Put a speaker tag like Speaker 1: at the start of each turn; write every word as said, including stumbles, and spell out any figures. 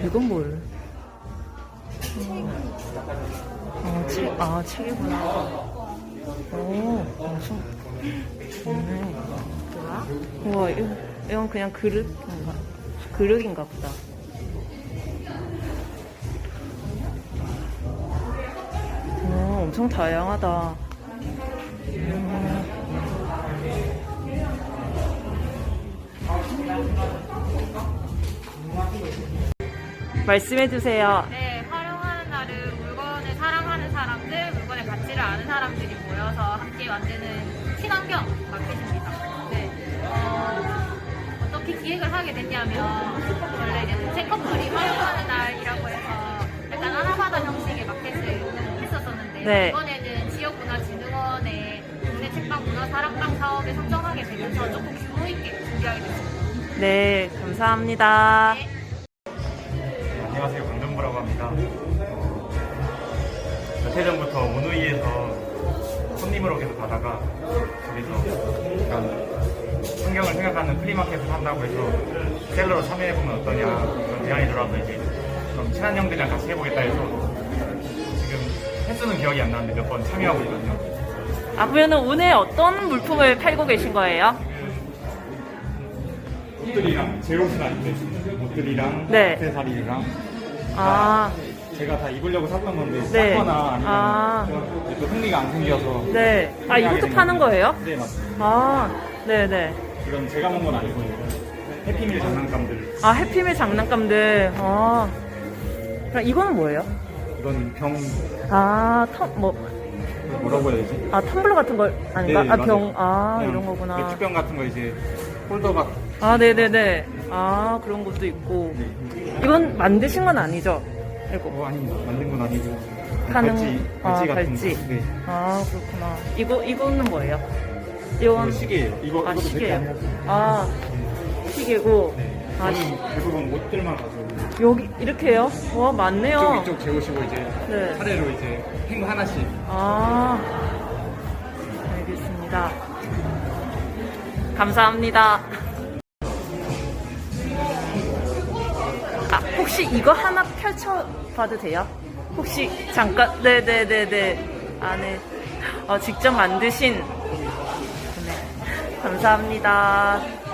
Speaker 1: 이건 뭘? 어, 책, 아, 책이구나. 오, 엄청 좋네. 우와, 이건, 이건 그냥 그릇인가? 그릇인가 보다. 오, 엄청 다양하다. 음. 말씀해주세요.
Speaker 2: 네, 활용하는 날은 물건을 사랑하는 사람들, 물건의 가치를 아는 사람들이 모여서 함께 만드는 친환경 마켓입니다. 네, 어, 어떻게 기획을 하게 됐냐면 원래 이제 책커플이 활용하는 날이라고 해서 약간 아나바다 형식의 마켓을 했었었는데
Speaker 1: 네.
Speaker 2: 이번에는 지역문화진흥원의 국내 책방 문화사랑방 사업에 선정하게 되면서 조금 규모 있게 준비하게 됐습니다.
Speaker 1: 네, 감사합니다.
Speaker 2: 네.
Speaker 3: 안녕하세요, 강정부라고 합니다. 어, 며칠 전부터 오누이에서 손님으로 계속 가다가 거기서 약간 환경을 생각하는 프리마켓을 한다고 해서 셀러로 참여해보면 어떠냐 그런 제안이 들어와서 이제 그럼 친한 형들이랑 같이 해보겠다 해서 지금 횟수는 기억이 안 나는데 몇 번 참여하고 있거든요.
Speaker 1: 아, 그러면 오늘 어떤 물품을 팔고 계신 거예요?
Speaker 3: 옷들이랑 제 옷은 아닌데 옷들이랑
Speaker 1: 네.
Speaker 3: 액세서리랑
Speaker 1: 아,
Speaker 3: 제가 다 입으려고 샀던 건데
Speaker 1: 네.
Speaker 3: 샀거나 아니면
Speaker 1: 아.
Speaker 3: 또 흥미가 안 생겨서
Speaker 1: 네. 아, 이것도 파는 거예요?
Speaker 3: 네, 맞습니다.
Speaker 1: 아, 네네.
Speaker 3: 이건 제가 먹은 건 아니고 해피밀 장난감들.
Speaker 1: 아, 해피밀 장난감들. 아. 그럼 이거는 뭐예요?
Speaker 3: 이건 병
Speaker 1: 아, 텀, 뭐,
Speaker 3: 뭐라고 해야 되지?
Speaker 1: 아, 텀블러 같은 거 아닌가?
Speaker 3: 네,
Speaker 1: 아,
Speaker 3: 맞아요.
Speaker 1: 병, 아,
Speaker 3: 그냥
Speaker 1: 이런 거구나.
Speaker 3: 맥주병 같은 거 이제 홀더가.
Speaker 1: 아, 네네네. 아, 그런 것도 있고.
Speaker 3: 네.
Speaker 1: 이건 만드신 건 아니죠? 이거.
Speaker 3: 어, 아닙니다. 만든 건 아니고.
Speaker 1: 하는-
Speaker 3: 발찌,
Speaker 1: 아,
Speaker 3: 발찌 같은
Speaker 1: 발찌.
Speaker 3: 거. 네.
Speaker 1: 아, 그렇구나. 이거, 이거는 뭐예요?
Speaker 3: 이거
Speaker 1: 이건,
Speaker 3: 시계예요. 이거
Speaker 1: 아,
Speaker 3: 이것도
Speaker 1: 시계예요.
Speaker 3: 백개 아니라서.
Speaker 1: 아, 시계고.
Speaker 3: 네.
Speaker 1: 아,
Speaker 3: 저는 대부분 옷들만 가져오고.
Speaker 1: 여기, 이렇게 해요? 와, 많네요.
Speaker 3: 이쪽 이쪽 재우시고 이제
Speaker 1: 네.
Speaker 3: 차례로 이제 행 하나씩.
Speaker 1: 아, 알겠습니다. 감사합니다. 아, 혹시 이거 하나 펼쳐봐도 돼요? 혹시 잠깐, 네네네네. 안에, 어, 직접 만드신, 네. 감사합니다.